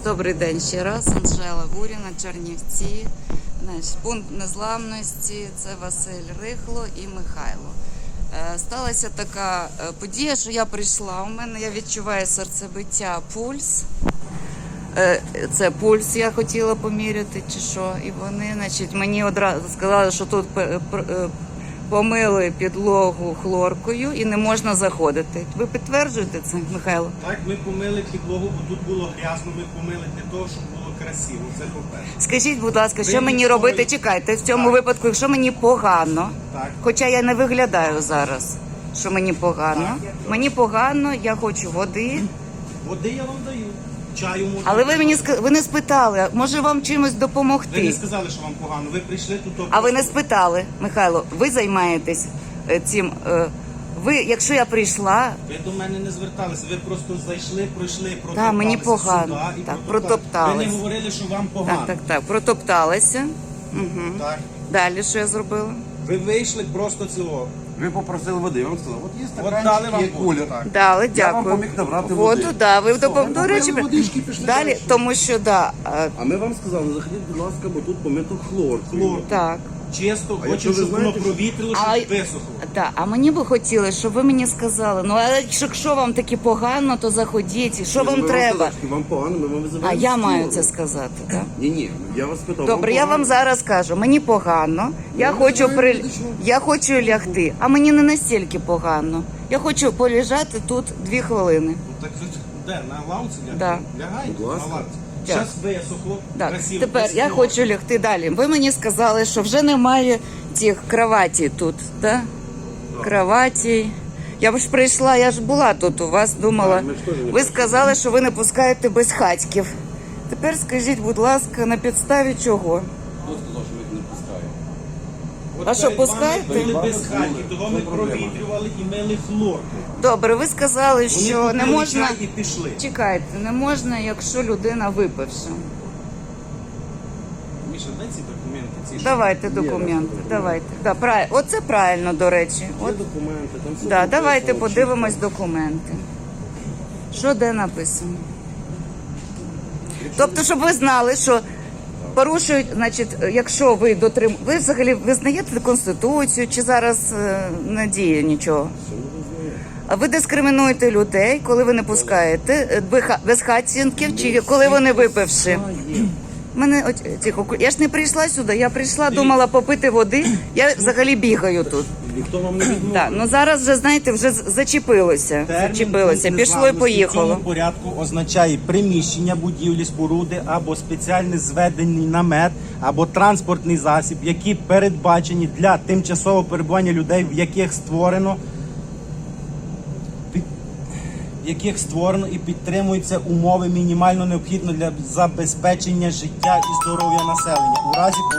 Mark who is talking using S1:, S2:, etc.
S1: Добрий день ще раз. Анжела Гуріна, Чернівці. Пункт незламності – це Василь Рихло і Михайло. Сталася така подія, що я прийшла, у мене, я відчуваю серцебиття, пульс. Це пульс я хотіла поміряти чи що. І вони, мені одразу сказали, що тут помили підлогу хлоркою і не можна заходити. Ви підтверджуєте це, Михайло?
S2: Так, ми помили підлогу, бо тут було грязно, ми помили для того, щоб було красиво. Це по-перше.
S1: Скажіть, будь ласка, що мені робити? Чекайте, в цьому випадку, якщо мені погано, хоча я не виглядаю зараз, що мені погано. Мені погано, я хочу води.
S2: Води я вам даю. Чаю можна.
S1: Але ви не спитали, може вам чимось допомогти?
S2: Ви не сказали, що вам погано. Ви прийшли тут.
S1: А ви не спитали, Михайло, ви займаєтесь цим. Ви, якщо я прийшла...
S2: Ви до мене не зверталися, ви просто зайшли, пройшли, протопталися.
S1: Так, мені погано.
S2: Сюди,
S1: так, протопталися.
S2: Ви не говорили, що вам погано.
S1: Так, протопталися. Угу.
S2: Так.
S1: Далі що я зробила?
S2: Ви вийшли просто цілого.
S3: Ви попросили води, я вам сказав, от є
S2: дали
S3: стаканчик,
S2: вам
S3: є кулер.
S1: Дали, дякую.
S3: Я вам поміг набрати
S1: воду.
S3: води.
S1: Да, ви
S3: Все,
S1: до речі,
S3: водички, пішли
S1: далі,
S3: далі.
S1: тому що,
S3: А ми вам сказали, заходіть, будь ласка, бо тут помито хлор.
S1: Так.
S2: Чисто,
S3: А якщо
S2: хочемо,
S3: ви
S2: щоб воно
S3: знаєте, що-
S2: провітрило,
S1: А-
S2: щоб висохло.
S1: Так, а мені би хотілося, щоб ви мені сказали, ну, а якщо вам таки погано, то заходіть, що вам треба?
S3: Вам погано, ми вам визиваємо.
S1: А я
S3: стіл.
S1: маю це сказати, так?
S3: Ні, я вас питав.
S1: Добре, я вам
S3: погано?
S1: зараз кажу, мені погано, я
S3: Ну,
S1: хочу
S3: знаєте, що?
S1: я хочу лягти, а мені не настільки погано. Я хочу полежати тут 2 хвилини.
S2: Ну, так ви де, на лавці лягаєте?
S1: Да.
S2: Лягайте
S3: Будь ласка.
S2: на лавці.
S1: Так.
S2: Зараз висохло,
S1: Так,
S2: красиво.
S1: тепер я
S2: красиво.
S1: хочу лягти далі. Ви мені сказали, що вже немає цих кроватей тут, так? Кроватей. Я ж прийшла, я ж була тут у вас, думала.
S3: Так, ми ж теж не
S1: Ви сказали, що ви не пускаєте безхатьків. Тепер скажіть, будь ласка, на підставі чого?
S3: Хто сказав, що ви їх не пускаєте?
S2: От
S1: А що,
S2: перед вами
S1: пускаєте?
S2: були
S3: Перед
S2: без
S3: вами
S2: хаті,
S3: були.
S2: того
S3: В
S2: ми
S3: чому проблема?
S2: провітрювали і мили хлорку.
S1: Добре, ви сказали, що
S2: Вони
S1: не
S2: купили
S1: можна.
S2: чай і пішли.
S1: Чекайте, не можна, якщо людина випивша.
S2: Міша, дай ці документи. Ці що?
S1: Давайте документи, давайте. Да, оце правильно, до речі.
S3: Є
S1: От,
S3: документи, там все
S1: да,
S3: написано,
S1: давайте
S3: чітко.
S1: подивимось документи. Що де написано? Тобто, щоб ви знали, що порушують, значить, якщо ви дотримуєте... Ви взагалі визнаєте Конституцію, чи зараз не діє нічого? А ви дискримінуєте людей, коли ви не пускаєте безхатченків, чи коли вони випивши? Мене тихо, я ж не прийшла сюди, я прийшла, думала попити води, я взагалі бігаю тут.
S3: Ніхто вам не відмовив.
S1: Так, ну зараз вже, знаєте, вже зачепилося,
S2: Термін
S1: пішло і
S2: В
S1: поїхало.
S2: цьому порядку означає приміщення будівлі, споруди або спеціальний зведений намет, або транспортний засіб, які передбачені для тимчасового перебування людей, в яких створено і підтримуються умови мінімально необхідно для забезпечення життя і здоров'я населення. У разі